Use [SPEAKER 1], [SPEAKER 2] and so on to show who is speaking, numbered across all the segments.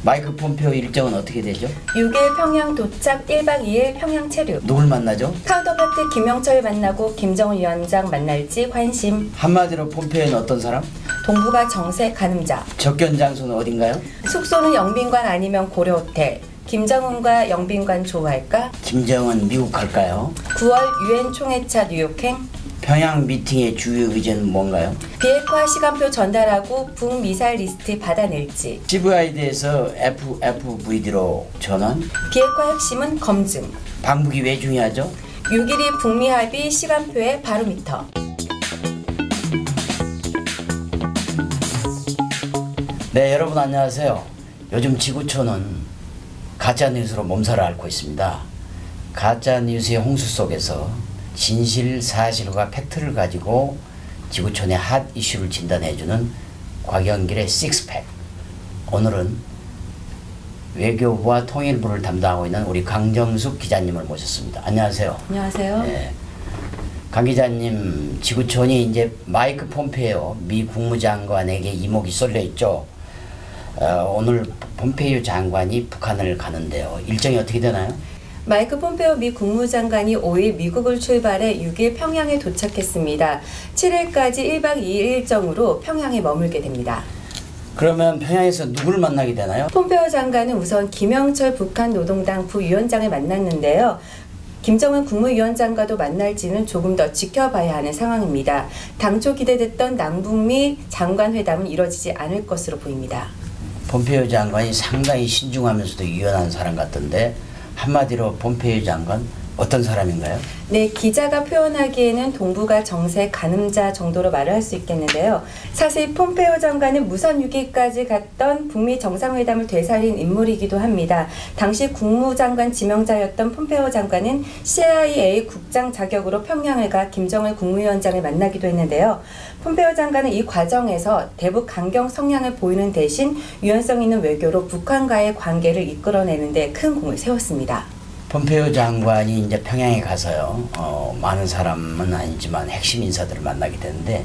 [SPEAKER 1] 마이크 폼페오 일정은 어떻게 되죠?
[SPEAKER 2] 6일 평양 도착, 1박 2일 평양 체류.
[SPEAKER 1] 누굴 만나죠?
[SPEAKER 2] 카운터파트 김영철 만나고 김정은 위원장 만날지 관심.
[SPEAKER 1] 한마디로 폼페오는 어떤 사람?
[SPEAKER 2] 동북아 정세 가늠자.
[SPEAKER 1] 접견 장소는 어딘가요?
[SPEAKER 2] 숙소는 영빈관 아니면 고려호텔. 김정은과 영빈관 좋아할까?
[SPEAKER 1] 김정은 미국 갈까요?
[SPEAKER 2] 9월 유엔 총회차 뉴욕행.
[SPEAKER 1] 평양 미팅의 주요 의제는 뭔가요?
[SPEAKER 2] 비핵화 시간표 전달하고 북미사일 리스트 받아낼지.
[SPEAKER 1] CVID에서 FFVD로 전환.
[SPEAKER 2] 비핵화 핵심은 검증.
[SPEAKER 1] 방북이 왜 중요하죠?
[SPEAKER 2] 6일이 북미 합의 시간표의 바로미터.
[SPEAKER 1] 네, 여러분 안녕하세요. 요즘 지구촌은 가짜뉴스로 몸살을 앓고 있습니다. 가짜뉴스의 홍수 속에서 진실, 사실과 팩트를 가지고 지구촌의 핫 이슈를 진단해주는 곽영길의 식스팩. 오늘은 외교부와 통일부를 담당하고 있는 우리 강정숙 기자님을 모셨습니다. 안녕하세요.
[SPEAKER 2] 안녕하세요.
[SPEAKER 1] 네. 강 기자님, 지구촌이 이제 마이크 폼페이오 미 국무장관에게 이목이 쏠려 있죠. 오늘 폼페이오 장관이 북한을 가는데요. 일정이 어떻게 되나요?
[SPEAKER 2] 마이크 폼페오 미 국무장관이 5일 미국을 출발해 6일 평양에 도착했습니다. 7일까지 1박 2일 일정으로 평양에 머물게 됩니다.
[SPEAKER 1] 그러면 평양에서 누구를 만나게 되나요?
[SPEAKER 2] 폼페오 장관은 우선 김영철 북한 노동당 부위원장을 만났는데요. 김정은 국무위원장과도 만날지는 조금 더 지켜봐야 하는 상황입니다. 당초 기대됐던 남북미 장관회담은 이뤄지지 않을 것으로 보입니다.
[SPEAKER 1] 폼페이오 장관이 상당히 신중하면서도 유연한 사람 같던데 한마디로 폼페이오 장관 어떤 사람인가요?
[SPEAKER 2] 네, 기자가 표현하기에는 동북아 정세 가늠자 정도로 말을 할 수 있겠는데요. 사실 폼페이오 장관은 무선 6위까지 갔던 북미 정상회담을 되살린 인물이기도 합니다. 당시 국무장관 지명자였던 폼페이오 장관은 CIA 국장 자격으로 평양을 가 김정일 국무위원장을 만나기도 했는데요. 폼페이오 장관은 이 과정에서 대북 강경 성향을 보이는 대신 유연성 있는 외교로 북한과의 관계를 이끌어내는 데 큰 공을 세웠습니다.
[SPEAKER 1] 폼페이오 장관이 이제 평양에 가서요. 많은 사람은 아니지만 핵심 인사들을 만나게 되는데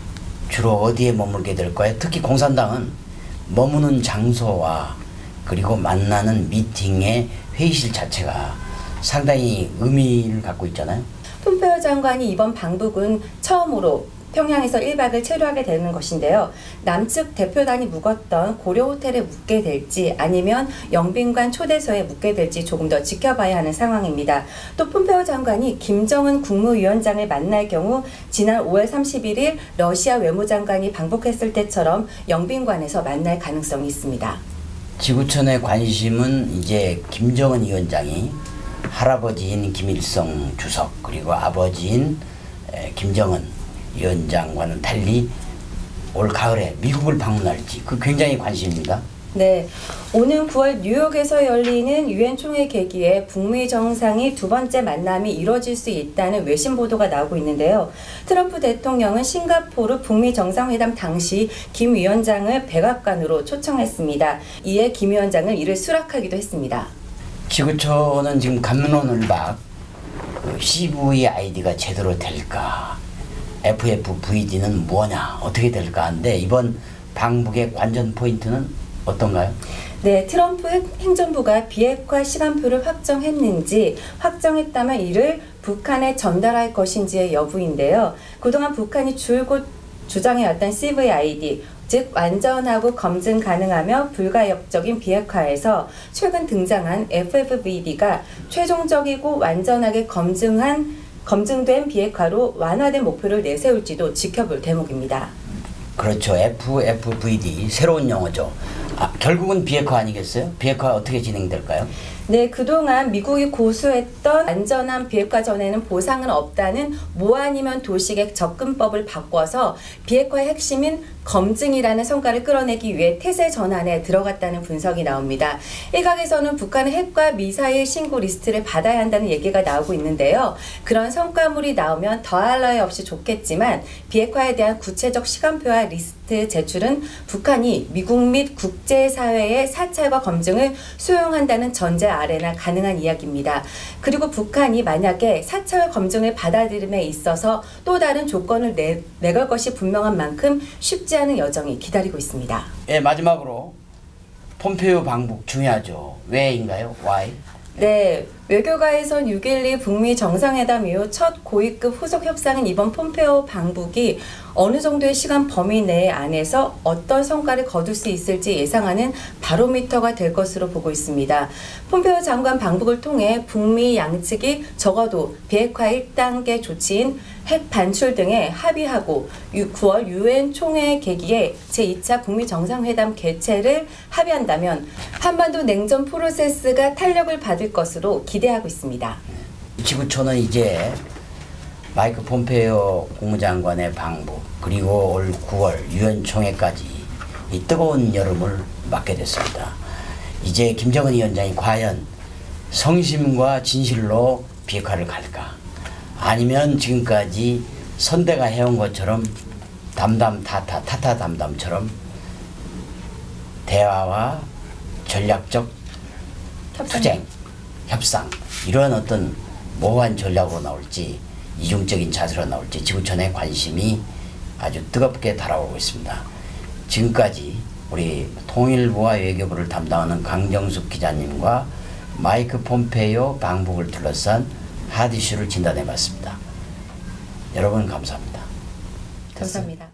[SPEAKER 1] 주로 어디에 머물게 될까요? 특히 공산당은 머무는 장소와 그리고 만나는 미팅의 회의실 자체가 상당히 의미를 갖고 있잖아요.
[SPEAKER 2] 폼페이오 장관이 이번 방북은 처음으로 평양에서 1박을 체류하게 되는 것인데요. 남측 대표단이 묵었던 고려호텔에 묵게 될지 아니면 영빈관 초대소에 묵게 될지 조금 더 지켜봐야 하는 상황입니다. 또 폼페이오 장관이 김정은 국무위원장을 만날 경우 지난 5월 31일 러시아 외무장관이 방북했을 때처럼 영빈관에서 만날 가능성이 있습니다.
[SPEAKER 1] 지구촌의 관심은 이제 김정은 위원장이 할아버지인 김일성 주석 그리고 아버지인 김정은 위원장과는 달리 올 가을에 미국을 방문할지 그 굉장히 관심입니다.
[SPEAKER 2] 네, 오는 9월 뉴욕에서 열리는 유엔 총회 계기에 북미 정상이 두 번째 만남이 이뤄질 수 있다는 외신 보도가 나오고 있는데요. 트럼프 대통령은 싱가포르 북미 정상회담 당시 김 위원장을 백악관으로 초청했습니다. 이에 김 위원장은 이를 수락하기도 했습니다.
[SPEAKER 1] 지구촌은 지금 갑론을박 CVID가 제대로 될까? FFVD는 뭐냐? 어떻게 될까 하는데 이번 방북의 관전 포인트는 어떤가요?
[SPEAKER 2] 네, 트럼프 행정부가 비핵화 시간표를 확정했는지 확정했다면 이를 북한에 전달할 것인지의 여부인데요. 그동안 북한이 줄곧 주장해왔던 CVID, 즉 완전하고 검증 가능하며 불가역적인 비핵화에서 최근 등장한 FFVD가 최종적이고 완전하게 검증된 비핵화로 완화된 목표를 내세울지도 지켜볼 대목입니다.
[SPEAKER 1] 그렇죠. FFVD 새로운 용어죠. 결국은 비핵화 아니겠어요? 비핵화 어떻게 진행될까요?
[SPEAKER 2] 네, 그동안 미국이 고수했던 안전한 비핵화 전에는 보상은 없다는 뭐 아니면 도식의 접근법을 바꿔서 비핵화의 핵심인 검증이라는 성과를 끌어내기 위해 태세 전환에 들어갔다는 분석이 나옵니다. 일각에서는 북한의 핵과 미사일 신고 리스트를 받아야 한다는 얘기가 나오고 있는데요. 그런 성과물이 나오면 더할 나위 없이 좋겠지만 비핵화에 대한 구체적 시간표와 리스트 제출은 북한이 미국 및 국제사회의 사찰과 검증을 수용한다는 전제 아래나 가능한 이야기입니다. 그리고 북한이 만약에 사찰 검증을 받아들임에 있어서 또 다른 조건을 내걸 것이 분명한 만큼 쉽지 않은 여정이 기다리고 있습니다.
[SPEAKER 1] 예, 마지막으로 폼페이오 방북 중요하죠. 왜인가요? Why?
[SPEAKER 2] 네, 외교가에선 6.12 북미 정상회담 이후 첫 고위급 후속 협상인 이번 폼페이오 방북이 어느 정도의 시간 범위 내 안에서 어떤 성과를 거둘 수 있을지 예상하는 바로미터가 될 것으로 보고 있습니다. 폼페이오 장관 방북을 통해 북미 양측이 적어도 비핵화 1단계 조치인 핵 반출 등에 합의하고 9월 유엔 총회 계기에 제2차 북미 정상회담 개최를 합의한다면 한반도 냉전 프로세스가 탄력을 받을 것으로 기대하고 있습니다.
[SPEAKER 1] 지구촌은 이제 마이크 폼페이오 국무장관의 방북 그리고 올 9월 유엔 총회까지 이 뜨거운 여름을 맞게 됐습니다. 이제 김정은 위원장이 과연 성심과 진실로 비핵화를 갈까? 아니면 지금까지 선대가 해온 것처럼 타타담담처럼 대화와 전략적 투쟁, 협상 이러한 어떤 모호한 전략으로 나올지 이중적인 자세로 나올지 지구촌의 관심이 아주 뜨겁게 달아오고 있습니다. 지금까지 우리 통일부와 외교부를 담당하는 강정숙 기자님과 마이크 폼페이오 방북을 둘러싼 핫 이슈를 진단해봤습니다. 여러분 감사합니다.
[SPEAKER 2] 감사합니다.